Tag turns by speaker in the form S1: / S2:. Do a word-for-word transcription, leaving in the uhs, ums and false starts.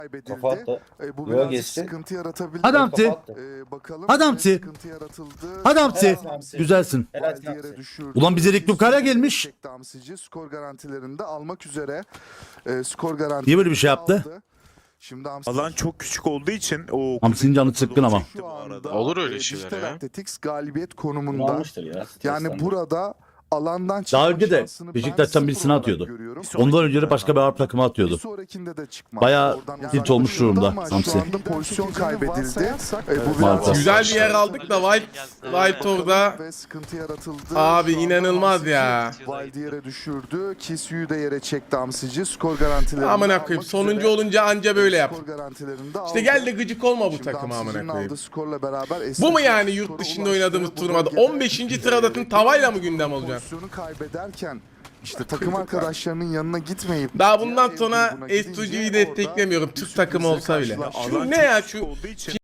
S1: Kafa attı.
S2: E, bu
S1: Yola
S2: biraz
S1: geçti.
S2: sıkıntı yaratabilir.
S3: Adamtı.
S1: Kafa attı.
S2: E, bakalım.
S3: Adamtı.
S2: E, sıkıntı yaratıldı.
S3: Adamtı.
S1: Helal Hamsi.
S3: Güzelsin.
S1: Helal
S2: Valdier'e
S1: Hamsi.
S2: düşürdü.
S3: Ulan bize Rick Lucara gelmiş.
S2: Çekti Hamsici. Skor garantilerini de almak üzere. E, skor garantilerini
S3: Niye böyle bir şey yaptı?
S2: aldı. Şimdi Hamsi
S4: Alan çok küçük olduğu için o
S3: Hamsi'nin canı sıkkın ama.
S2: şu anda
S5: Olur öyle
S2: e,
S5: şeyler
S2: Dijital
S5: ya.
S2: Athletics galibiyet
S1: Bunu
S2: konumunda.
S1: almıştır ya.
S2: Yani
S1: stresten.
S2: burada alandan çıkma
S3: Daha önce de
S2: şansını
S3: Beşiktaş'tan
S2: ben
S3: birisini
S2: sıfır olarak
S3: atıyordu.
S2: görüyorum.
S3: Ondan önce de başka bir Arap takımı
S2: Bir
S3: atıyordu.
S2: sonrakinde de çıkmaz.
S3: Bayağı
S2: Oradan
S3: tilt
S2: uzaklaşıldı
S3: olmuş durumda
S2: ama
S3: Hamsi.
S2: Şu anda pozisyon kaybedildi. E, bu
S3: Maalesef.
S2: biraz
S6: Güzel bir yer aldık da Wild, Wild orada
S2: ve sıkıntı yaratıldı.
S6: abi
S2: Şu anda
S6: inanılmaz
S2: Hamsici
S6: ya.
S2: Valdier'e düşürdü. Kisu'yu da yere çekti Hamsici. Skor garantilerini
S6: Amına
S2: almak
S6: koyayım.
S2: üzere.
S6: Sonuncu olunca anca böyle yap.
S2: Skor garantilerini de
S6: İşte
S2: aldı.
S6: gel de gıcık olma bu
S2: Şimdi
S6: takıma amına
S2: Hamsici'nin
S6: koyayım.
S2: aldığı skorla beraber
S6: Bu mu
S2: eski
S6: yani
S2: skora
S6: yurt dışında
S2: ulaştı.
S6: oynadığımız
S2: Bu
S6: turnuvada?
S2: bölgede,
S6: on beşinci sıradasın tavayla mı gündem olacaksın?
S2: Pozisyonu kaybederken işte takım arkadaşlarının yanına gitmeyip
S6: Daha bundan
S2: diğer
S6: sonra
S2: grubuna gidince
S6: Estucu'yu
S2: orada
S6: desteklemiyorum.
S2: bir
S6: Türk takımı
S2: sürprizle
S6: olsa bile.
S2: karşılaştı.
S6: Şu
S4: alan
S6: ne
S4: çok
S6: ya
S4: küçük
S6: şu
S4: olduğu için